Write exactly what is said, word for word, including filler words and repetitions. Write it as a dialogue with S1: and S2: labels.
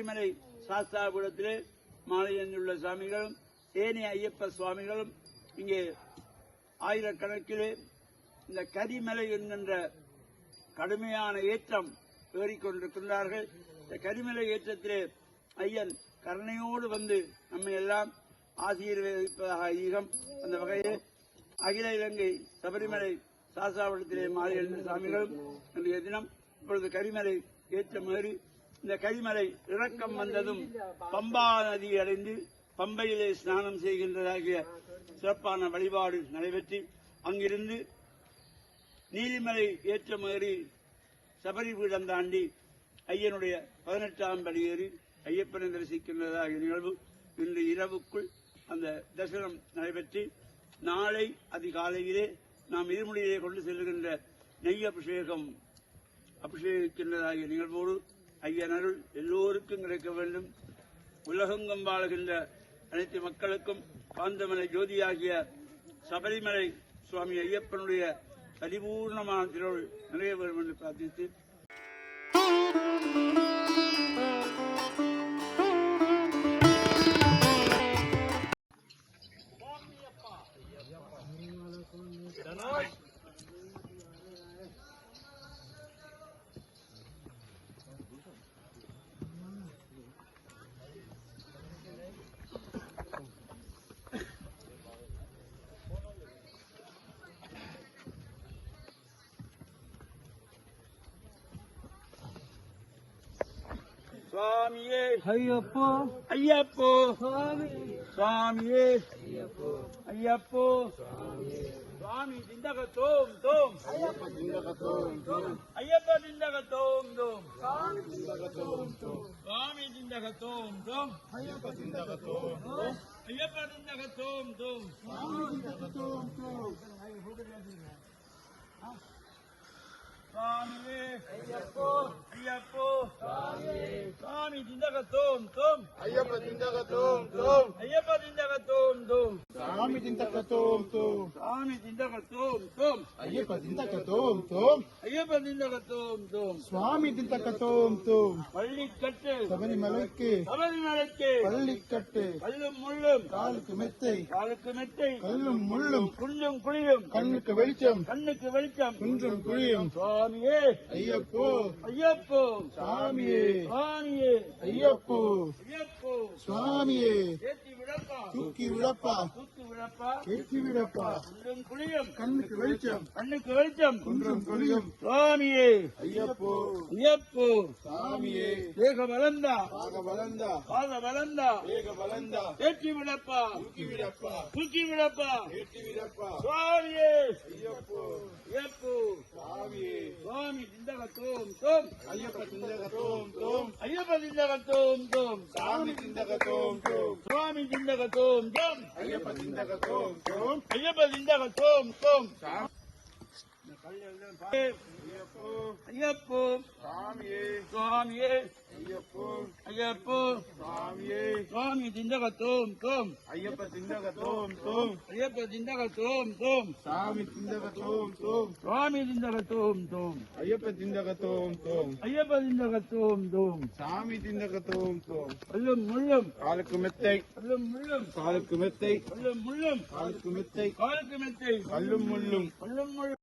S1: மலை சாஸ்தாபுரத்திலே மாலையந்துள்ள சுவாமிகளும் ஏனைய ஐயப்ப சுவாமிகளும் இங்கே ஆயிரக்கணக்கிலே இந்த கரிமலை என்கின்ற கடுமையான ஏற்றம் ஏறிக்கொண்டிருக்கின்றார்கள். இந்த கரிமலை ஏற்றத்திலே ஐயன் கருணையோடு வந்து நம்மை எல்லாம் ஆசீர்வதிப்பதாக ஐதீகம். அந்த வகையில் அகில இலங்கை சபரிமலை சாஸ்தாபுரத்திலே மாலையந்து சுவாமிகளும் இன்றைய தினம் இப்பொழுது கரிமலை ஏற்றம் ஏறி இந்த கரிமலை இறக்கம் வந்ததும் பம்பா நதி அடைந்து பம்பையிலே ஸ்நானம் செய்கின்றதாகிய சிறப்பான வழிபாடு நடைபெற்று அங்கிருந்து நீதிமலை ஏற்றமேறி சபரி பீடம் தாண்டி ஐயனுடைய பதினெட்டாம் படி ஏறி ஐயப்பனை தரிசிக்கின்றதாகிய நிகழ்வு இன்று இரவுக்குள் அந்த தரிசனம் நடைபெற்று நாளை அதிகாலையிலே நாம் இருமுடியிலே கொண்டு செல்கின்ற நெய் அபிஷேகம் அபிஷேகிக்கின்றதாகிய நிகழ்வோடு ஐயன் அருள் எல்லோருக்கும் கிடைக்க வேண்டும். உலகெங்கும் வாழுகின்ற அனைத்து மக்களுக்கும் காந்தமலை ஜோதியாகிய சபரிமலை சுவாமி ஐயப்பனுடைய பரிபூர்ணமான திருவருள் நிறைய வேண்டும் என்று பிரார்த்தித்து சுவாமியே ஐயப்போ ஐயப்போ சுவாமி சுவாமியே ஐயப்போ ஐயப்போ சுவாமி திண்டக தோம் தோம் ஐயப்ப திண்டக தோம் தோம் ஐயப்ப திண்டக தோம் தோம் சுவாமி திண்டக தோம் தோம் சுவாமி திண்டக தோம் தோம் ஐயப்ப திண்டக தோம் தோம் ஐயப்ப திண்டக தோம் தோம் சுவாமி திண்டக தோம் தோம் சுவாமியே ஐயப்போ ஐயப்போ சுவாமி திண்டக தோம் தோம் ஐயப்ப திண்டக தோம் தோம் ஐயப்ப திண்டக தோம் தோம் சுவாமி திண்டக தோம் தோம் சுவாமி திண்டக தோம் தோம் ஐயப்ப திண்டக தோம் தோம் ஐயப்ப திண்டக தோம் தோம் சுவாமி திண்டக தோம் தோம் பள்ளிக்கட்டு சபரிமலைக்கு சபரிமலைக்கு பள்ளிக்கட்டு கல்லும் முள்ளும் காலுக்கு மெத்தை காலுக்கு மெத்தை கல்லும் முள்ளும் குள்ளும் குழியும் கண்ணுக்கு வெளிச்சம் கண்ணுக்கு வெளிச்சம் குன்றும் குழியும் சுவாமியே ஐயப்போ ஐயப்போ சுவாமியே சுவாமியே ஐயப்போ ஐயப்போ சுவாமியே ஏற்றி விடப்பா தூக்கி விடப்பா தூக்கி விடப்பா ஏற்றி விடப்பா குன்றும் குழியும் கண்ணுக்கு வெளிச்சம் கண்ணுக்கு வெளிச்சம் குன்றும் குழியும் சுவாமியே ஐயப்போ ஐயப்போ சுவாமியே வேக வளர்ந்தா பாக வளர்ந்தா பாக வளர்ந்தா வேக வளர்ந்தா ஏற்றி விடப்பா தூக்கி விடப்பா தூக்கி விடப்பா ஏற்றி விடப்பா சுவாமியே ஐயப்போ ஐயப்போ சுவாமியே சுவாமி திண்டக தோம் தோம் ஐயப்ப திண்டக தோம் தோம் ஐயப்ப திண்டக தோம் தோம் சுவாமி திண்டக தோம் தோம் சுவாமி திண்டக தோம் தோம் ஐயப்ப திண்டக தோம் தோம் ஐயப்ப திண்டக தோம் தோம் ஐயப்போ ஐயப்போ சுவாமியே சுவாமியே ஐயப்போ ஐயப்போ சுவாமியே சுவாமி திண்டக தோம் தோம் ஐயப்ப திண்டக தோம் தோம் ஐயப்ப திண்டக தோம் தோம் சுவாமி திண்டக தோம் தோம் சுவாமி திண்டக தோம் தோம் ஐயப்ப திண்டக தோம் தோம் ஐயப்ப திண்டக தோம் தோம் சாமி திண்டக தோம் தோம் கல்லும் முள்ளும் காலுக்கு மெத்தை கல்லும் முள்ளும் காலுக்கு மெத்தை கல்லும் முள்ளும் காலுக்கு மெத்தை காலுக்கு மெத்தை கல்லும் முள்ளும் கல்லும் முள்ளும்